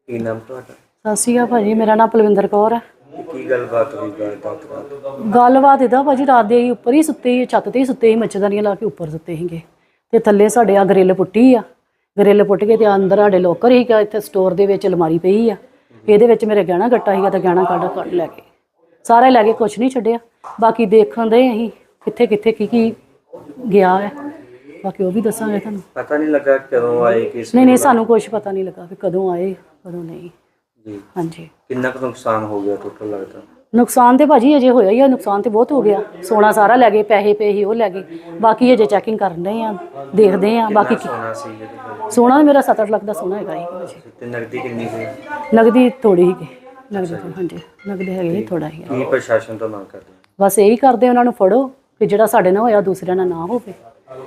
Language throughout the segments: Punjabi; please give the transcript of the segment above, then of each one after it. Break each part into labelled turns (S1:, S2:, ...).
S1: ਕੀ ਨਾਮ ਤੁਹਾਡਾ?
S2: ਸਤਿ ਸ਼੍ਰੀ ਅਕਾਲ ਭਾਜੀ, ਮੇਰਾ ਨਾਮ ਪਲਵਿੰਦਰ ਕੌਰ ਹੈ।
S1: ਕੀ ਗੱਲਬਾਤ ਹੋਈ
S2: ਗੱਲਬਾਤ ਇੱਦਾਂ ਭਾਜੀ, ਰਾਤ ਦੇ ਅਸੀਂ ਉੱਪਰ ਹੀ ਸੁੱਤੇ ਸੀ, ਛੱਤ 'ਤੇ ਹੀ ਸੁੱਤੇ ਸੀ, ਮੱਛਰਦਾਨੀਆਂ ਲਾ ਕੇ ਉੱਪਰ ਸੁੱਤੇ ਸੀਗੇ ਅਤੇ ਥੱਲੇ ਸਾਡੇ ਆ ਗਰਿੱਲ ਪੁੱਟੀ ਆ। ਗਰਿੱਲ ਪੁੱਟ ਕੇ ਅਤੇ ਅੰਦਰ ਸਾਡੇ ਲੋਕਰ ਸੀਗਾ, ਇੱਥੇ ਸਟੋਰ ਦੇ ਵਿੱਚ ਅਲਮਾਰੀ ਪਈ ਆ, ਇਹਦੇ ਵਿੱਚ ਮੇਰੇ ਗਹਿਣਾ ਗੱਟਾ ਸੀਗਾ, ਤਾਂ ਗਹਿਣਾ ਕੱਢ ਲੈ ਕੇ ਸਾਰੇ ਲੈ ਕੇ, ਕੁਛ ਨਹੀਂ ਛੱਡਿਆ। ਬਾਕੀ ਦੇਖਣ ਦੇ ਅਸੀਂ ਕਿੱਥੇ ਕਿੱਥੇ ਕੀ ਗਿਆ ਹੈ, ਬਾਕੀ ਉਹ ਵੀ ਦੱਸਾਂਗੇ ਤੁਹਾਨੂੰ।
S1: ਪਤਾ ਨਹੀਂ ਲੱਗਾ ਕਦੋਂ ਆਏ ਕਿਸ?
S2: ਨਹੀਂ ਸਾਨੂੰ ਕੁਛ ਪਤਾ ਨਹੀਂ ਲੱਗਾ ਵੀ ਕਦੋਂ ਆਏ ਕਦੋਂ ਨਹੀਂ
S1: ਜੀ।
S2: ਹਾਂਜੀ।
S1: ਕਿੰਨਾ ਕੁ ਨੁਕਸਾਨ ਹੋ ਗਿਆ ਟੋਟਲ ਲੱਗਦਾ?
S2: ਨੁਕਸਾਨ ਤੇ ਭਾਜੀ ਅਜੇ ਹੋਇਆ ਹੀ ਆ, ਨੁਕਸਾਨ ਤੇ ਬਹੁਤ ਹੋ ਗਿਆ। ਸੋਨਾ ਸਾਰਾ ਲੈ ਗਏ, ਪੈਸੇ ਪਏ ਸੀ ਉਹ ਲੈ ਗਏ। ਬਾਕੀ ਅਜੇ ਚੈਕਿੰਗ ਕਰਨ ਰਹੇ ਆ, ਦੇਖਦੇ ਆ। ਬਾਕੀ
S1: ਸੋਨਾ ਸੀ ਜਿਹਦੇ
S2: ਸੋਨਾ ਮੇਰਾ 7-8 ਲੱਖ ਦਾ ਸੋਨਾ ਹੈਗਾ ਹੀ ਭਾਜੀ।
S1: ਤੇ ਨਗਦੀ ਕਿੰਨੀ ਸੀ?
S2: ਨਗਦੀ ਥੋੜੀ ਸੀਗੀ, ਨਗਦੀ ਹਾਂਜੀ ਨਗਦੀ ਹੈਗੀ ਥੋੜਾ ਹੀ।
S1: ਕੀ ਪ੍ਰਸ਼ਾਸਨ ਤੋਂ ਮੰਗ ਕਰਦੇ?
S2: ਬਸ ਇਹੀ ਕਰਦੇ, ਉਹਨਾਂ ਨੂੰ ਫੜੋ ਕਿ ਜਿਹੜਾ ਸਾਡੇ ਨਾਲ ਹੋਇਆ ਦੂਸਰਿਆਂ ਨਾਲ ਨਾ ਹੋਵੇ,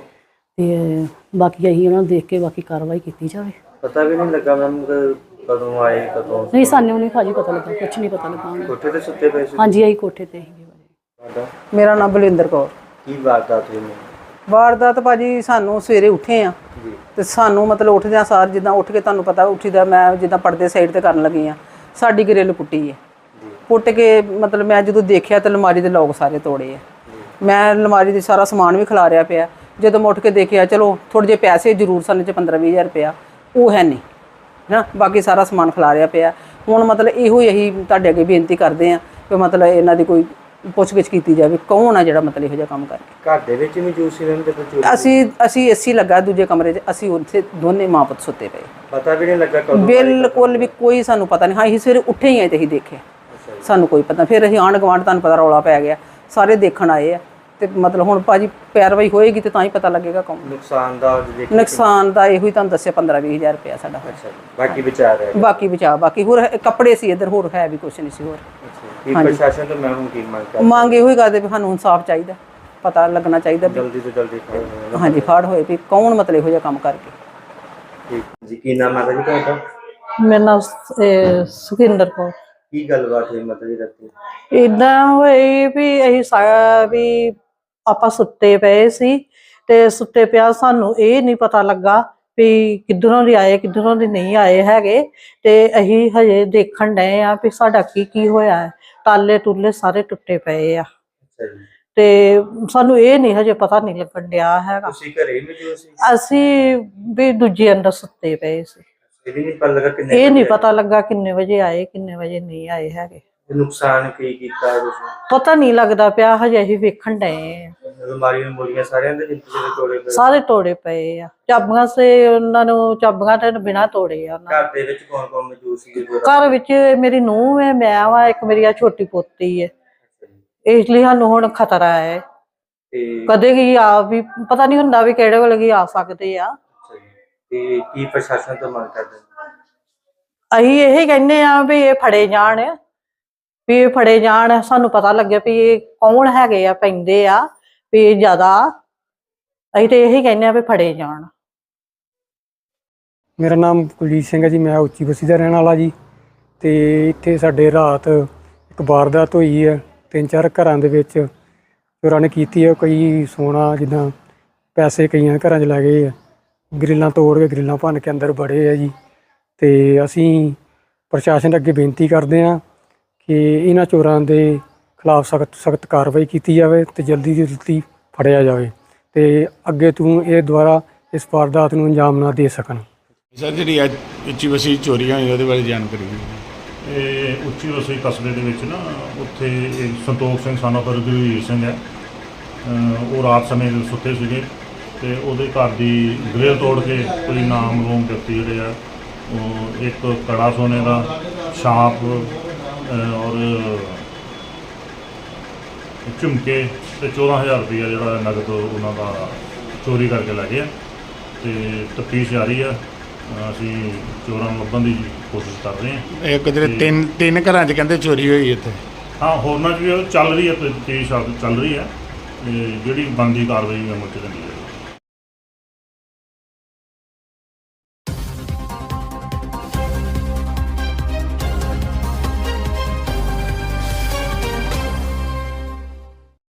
S2: ਤੇ ਬਾਕੀ ਅਸੀਂ ਉਹਨਾਂ ਨੂੰ ਦੇਖ ਕੇ ਬਾਕੀ ਕਾਰਵਾਈ ਕੀਤੀ ਜਾਵੇ।
S1: ਪਤਾ ਵੀ ਨਹੀਂ ਲੱਗਾ ਮੈਮ ਕਦੋਂ ਆਏ ਕਦੋਂ?
S2: ਨਹੀਂ ਸਾਨੂੰ ਨਹੀਂ ਭਾਜੀ ਪਤਾ ਲੱਗਾ, ਕੁਛ ਨਹੀਂ ਪਤਾ ਲੱਗਾ।
S1: ਕੋਠੇ ਤੇ ਸੁੱਤੇ ਪਏ ਸੀ?
S2: ਹਾਂਜੀ ਅਸੀਂ ਕੋਠੇ ਤੇ ਸੀਗੇ ਭਾਜੀ।
S3: ਮੇਰਾ ਨਾਮ ਬਲਵਿੰਦਰ ਕੌਰ।
S1: ਕੀ ਵਾਰਦਾਤ ਹੋਈ?
S3: ਵਾਰਦਾਤ ਭਾਜੀ ਸਾਨੂੰ ਸਵੇਰੇ ਉੱਠੇ ਆ ਤੇ ਸਾਨੂੰ ਮਤਲਬ ਉੱਠਦਿਆਂ ਸਾਰ ਜਿੱਦਾਂ ਉੱਠ ਕੇ ਤੁਹਾਨੂੰ ਪਤਾ ਉੱਠੀਦਾ, ਮੈਂ ਜਿੱਦਾਂ ਪਰਦੇ ਸਾਈਡ ਤੇ ਕਰਨ ਲੱਗੀ ਆ, ਸਾਡੀ ਗਰਿੱਲ ਪੁੱਟੀ ਹੈ। ਪੁੱਟ ਕੇ ਮਤਲਬ ਮੈਂ ਜਦੋਂ ਦੇਖਿਆ ਤਾਂ ਅਲਮਾਰੀ ਦੇ ਲੋਕ ਸਾਰੇ ਤੋੜੇ ਆ। ਮੈਂ ਅਲਮਾਰੀ ਦੀ ਸਾਰਾ ਸਮਾਨ ਵੀ ਖਿਲਾਰਿਆ ਪਿਆ। ਜਦੋਂ ਮੈਂ ਉੱਠ ਕੇ ਦੇਖਿਆ, ਚਲੋ ਥੋੜ੍ਹੇ ਜਿਹੇ ਪੈਸੇ ਜ਼ਰੂਰ ਸਨ, 15-20 ਹਜ਼ਾਰ ਰੁਪਇਆ ਉਹ ਹੈ ਨਹੀਂ ਨਾ, ਬਾਕੀ ਸਾਰਾ ਸਮਾਨ ਖਿਲਾਰਿਆ ਪਿਆ। ਹੁਣ ਮਤਲਬ ਇਹੋ ਹੀ ਅਸੀਂ ਤੁਹਾਡੇ ਅੱਗੇ ਬੇਨਤੀ ਕਰਦੇ ਹਾਂ ਕਿ ਮਤਲਬ ਇਹਨਾਂ ਦੀ ਕੋਈ ਪੁੱਛਗਿੱਛ ਕੀਤੀ ਜਾਵੇ, ਕੌਣ ਆ ਜਿਹੜਾ ਮਤਲਬ ਇਹੋ ਜਿਹਾ ਕੰਮ ਕਰਕੇ।
S1: ਘਰ ਦੇ ਵਿੱਚ ਹੀ ਮੌਜੂਦ ਸੀ ਰਹਿੰਦੇ?
S3: ਅਸੀਂ ਏਸੀ ਲੱਗਾ ਦੂਜੇ ਕਮਰੇ 'ਚ, ਅਸੀਂ ਉੱਥੇ ਦੋਨੇ ਮਾਂ ਪੁੱਤ ਸੁੱਤੇ ਪਏ।
S1: ਪਤਾ ਵੀ ਨਹੀਂ ਲੱਗਾ ਕਦੋਂ?
S3: ਬਿਲਕੁਲ ਵੀ ਕੋਈ ਸਾਨੂੰ ਪਤਾ ਨਹੀਂ। ਹਾਂ ਅਸੀਂ ਸਵੇਰੇ ਉੱਠੇ ਹੀ ਆਏ ਤੇ ਅਸੀਂ ਦੇਖਿਆ, ਸਾਨੂੰ ਕੋਈ ਪਤਾ। ਫਿਰ ਅਸੀਂ ਆਂਢ ਗੁਆਂਢ ਤੁਹਾਨੂੰ ਪਤਾ ਰੌਲਾ ਪੈ ਗਿਆ, ਸਾਰੇ ਦੇਖਣ ਆਏ ਆ। ਤੇ ਮਤਲਬ ਹੁਣ ਭਾਜੀ ਪੈਰਵਾਈ ਹੋਏਗੀ ਤੇ ਤਾਂ ਹੀ ਪਤਾ ਲੱਗੇਗਾ ਕੌਣ।
S1: ਨੁਕਸਾਨ ਦਾ
S3: ਇਹੋ ਹੀ ਤੁਹਾਨੂੰ ਦੱਸਿਆ, 15-20 ਹਜ਼ਾਰ ਰੁਪਇਆ ਸਾਡਾ।
S1: ਬਾਕੀ ਬਚਾ ਰਿਹਾ?
S3: ਬਾਕੀ ਬਚਾ, ਬਾਕੀ ਹੋਰ ਕੱਪੜੇ ਸੀ ਇੱਧਰ, ਹੋਰ ਹੈ ਵੀ ਕੁਛ ਨਹੀਂ ਸੀ ਹੋਰ।
S1: ਕੀ ਪ੍ਰਸ਼ਾਸਨ ਤੋਂ ਮੈਂ ਹੁਣ ਕੀ ਮੰਗ ਕਰਦਾ?
S3: ਮੰਗ ਇਹੋ ਹੀ ਕਰਦੇ ਵੀ ਸਾਨੂੰ ਇਨਸਾਫ ਚਾਹੀਦਾ, ਪਤਾ ਲੱਗਣਾ ਚਾਹੀਦਾ
S1: ਜਲਦੀ ਤੋਂ ਜਲਦੀ ਫੜ।
S3: ਹਾਂਜੀ ਫੜ ਹੋਏ ਵੀ ਕੌਣ ਮਤਲਬ ਇਹੋ ਜਿਹਾ ਕੰਮ ਕਰਕੇ।
S1: ਠੀਕ ਜੀ। ਕੀ ਨਾਮ ਹੈ ਜੀ ਤੁਹਾਡਾ?
S4: ਮੇਰਾ ਨਾਮ ਸੁਖਿੰਦਰ ਕੌਰ।
S1: ਕੀ ਗੱਲਬਾਤ ਹੋਈ ਮਾਤਾ ਜੀ ਰਾਤੀ?
S4: ਇੱਦਾਂ ਹੋਈ ਵੀ ਅਸੀਂ ਆਪਾਂ ਸੁੱਤੇ ਪਏ ਸੀ, ਤੇ ਸੁੱਤੇ ਪਿਆ ਸਾਨੂੰ ਇਹ ਨਹੀਂ ਪਤਾ ਲੱਗਾ ਵੀ ਕਿੱਧਰੋਂ ਦੀ ਆਏ ਕਿੱਧਰੋਂ ਦੀ ਨਹੀਂ ਆਏ ਹੈਗੇ। ਤੇ ਅਸੀਂ ਹਜੇ ਦੇਖਣ ਡਏ ਆ ਵੀ ਸਾਡਾ ਕੀ ਹੋਇਆ ਹੈ। ਤਾਲੇ ਤੁਲੇ ਸਾਰੇ ਟੁੱਟੇ ਪਏ ਆ, ਤੇ ਸਾਨੂੰ ਇਹ ਨਹੀਂ ਹਜੇ ਪਤਾ ਨਹੀਂ ਲੱਗਣ ਡਿਆ ਹੈਗਾ।
S1: ਤੁਸੀਂ ਘਰੇ ਮੌਜੂਦ ਸੀ?
S4: ਅਸੀਂ ਵੀ ਦੂਜੇ ਅੰਦਰ ਸੁੱਤੇ ਪਏ ਸੀ। ਇਹ ਨਹੀਂ ਪਤਾ ਲੱਗਾ ਕਿੰਨੇ ਵਜੇ ਆਏ ਕਿੰਨੇ ਵਜੇ ਨਹੀਂ ਆਏ ਹੈਗੇ।
S1: ਨੁਕਸਾਨ ਕੀ ਕੀਤਾ ਹੈ ਤੁਸੀਂ?
S4: ਪਤਾ ਨਹੀਂ ਲੱਗਦਾ ਪਿਆ, ਹਜੇ ਅਸੀਂ ਵੇਖਣ ਡਏ ਆ।
S1: ਅਲਮਾਰੀਆਂ ਮੋਰੀਆਂ ਸਾਰਿਆਂ ਦੇ ਜਿੰਦੇ ਤੋੜੇ ਪਏ?
S4: ਸਾਰੇ ਤੋੜੇ ਪਏ ਆ। ਚਾਬੀਆਂ ਸੇ ਉਹਨਾਂ ਨੂੰ, ਚਾਬੀਆਂ ਤੇ ਬਿਨਾਂ ਤੋੜੇ ਆ।
S1: ਘਰ ਦੇ ਵਿੱਚ ਕੌਣ ਕੌਣ ਮੌਜੂਦ ਸੀ?
S4: ਘਰ ਵਿੱਚ ਮੇਰੀ ਨੂੰਹ ਹੈ, ਮੈਂ ਵਾ, ਇੱਕ ਮੇਰੀ ਆ ਛੋਟੀ ਪੋਤੀ ਹੈ। ਇਸ ਲਈ ਸਾਨੂੰ ਹੁਣ ਖਤਰਾ ਹੈ, ਕਦੇ ਕੀ ਆ ਵੀ ਪਤਾ ਨਹੀਂ ਹੁੰਦਾ ਵੀ ਕਿਹੜੇ ਵੇਲੇ ਕੀ ਆ ਸਕਦੇ ਆ।
S1: ਤੇ ਕੀ ਪ੍ਰਸ਼ਾਸਨ ਤੋਂ ਮੰਗ ਕਰਦੇ?
S4: ਅਸੀਂ ਇਹ ਕਹਿੰਦੇ ਆ ਵੀ ਇਹ ਫੜੇ ਜਾਣ, ਵੀ ਇਹ ਫੜੇ ਜਾਣ, ਸਾਨੂੰ ਪਤਾ ਲੱਗੇ ਵੀ ਇਹ ਕੌਣ ਹੈਗੇ ਆ, ਪੈਂਦੇ ਆ ਵੀ ਜ਼ਿਆਦਾ। ਅਸੀਂ ਤੇ ਇਹੀ ਕਹਿੰਦੇ ਆ ਵੀ ਫੜੇ ਜਾਣ।
S5: ਮੇਰਾ ਨਾਮ ਕੁਲਜੀਤ ਸਿੰਘ ਹੈ ਜੀ, ਮੈਂ ਉੱਚੀ ਬਸਤੀ ਦਾ ਰਹਿਣ ਵਾਲਾ ਜੀ। ਤੇ ਇੱਥੇ ਸਾਡੇ ਰਾਤ ਇੱਕ ਵਾਰਦਾਤ ਹੋਈ ਹੈ, 3-4 ਘਰਾਂ ਦੇ ਵਿੱਚ ਚੋਰਾਂ ਨੇ ਕੀਤੀ ਹੈ। ਕਈ ਸੋਨਾ ਜਿੱਦਾਂ ਪੈਸੇ ਕਈਆਂ ਘਰਾਂ 'ਚ ਲੈ ਗਏ ਆ, ਗਰਿੱਲਾਂ ਤੋੜ ਕੇ ਗਰਿੱਲਾਂ ਭੰਨ ਕੇ ਅੰਦਰ ਵੜੇ ਆ ਜੀ। ਤੇ ਅਸੀਂ ਪ੍ਰਸ਼ਾਸਨ ਅੱਗੇ ਬੇਨਤੀ ਕਰਦੇ ਹਾਂ ਕਿ ਇਹਨਾਂ ਚੋਰਾਂ ਦੇ ਖਿਲਾਫ ਸਖਤ ਕਾਰਵਾਈ ਕੀਤੀ ਜਾਵੇ ਤੇ ਜਲਦੀ ਤੋਂ ਜਲਦੀ ਫੜਿਆ ਜਾਵੇ, ਤੇ ਅੱਗੇ ਤੋਂ ਇਹ ਦੁਬਾਰਾ ਇਸ ਵਾਰਦਾਤ ਨੂੰ ਅੰਜਾਮ ਨਾ ਦੇ ਸਕਣ।
S6: ਸਰ ਜਿਹੜੀ ਅੱਜ ਉੱਚੀ ਬਸਤੀ ਚੋਰੀਆਂ ਹੋਈ ਉਹਦੇ ਬਾਰੇ ਜਾਣਕਾਰੀ ਦਿਓ।
S7: ਇਹ ਉੱਚੀ ਬਸਤੀ ਕਸਬੇ ਦੇ ਵਿੱਚ ਨਾ, ਉੱਥੇ ਇੱਕ ਸੰਤੋਖ ਸਿੰਘ ਸਾਨਾ ਗੁਰਵੀਰ ਸਿੰਘ ਹੈ। ਉਹ ਰਾਤ ਸਮੇਂ ਸੁੱਤੇ ਸੀਗੇ ਤੇ ਉਹਦੇ ਘਰ ਦੀ ਗ੍ਰਿਲ ਤੋੜ ਕੇ ਕੋਈ ਨਾਮਲੂਮ ਵਿਅਕਤੀ ਜਿਹੜੇ ਆ, ਉਹ ਇੱਕ ਕੜਾ ਸੋਨੇ ਦਾ, ਛਾਪ ਔਰ ਝੁਮਕੇ ਤੇ 14,000 ਰੁਪਇਆ ਜਿਹੜਾ ਨਗਦ ਉਹਨਾਂ ਦਾ ਚੋਰੀ ਕਰਕੇ ਲੈ ਗਏ ਆ। ਤੇ ਤਫਤੀਸ਼ ਜਾਰੀ ਆ, ਅਸੀਂ ਚੋਰਾਂ ਨੂੰ ਲੱਭਣ ਦੀ ਕੋਸ਼ਿਸ਼ ਕਰ ਰਹੇ ਹਾਂ।
S6: ਇੱਕ ਜਿਹੜੇ ਤਿੰਨ ਘਰਾਂ 'ਚ ਕਹਿੰਦੇ ਚੋਰੀ ਹੋਈ ਇੱਥੇ?
S7: ਹਾਂ, ਹੋਰਨਾਂ 'ਚ ਵੀ ਚੱਲ ਰਹੀ ਹੈ, ਤਫਤੀਸ਼ ਚੱਲ ਰਹੀ ਹੈ। ਜਿਹੜੀ ਬਣਦੀ ਕਾਰਵਾਈ ਅਮਲ 'ਚ ਰਹਿੰਦੀ ਹੈ।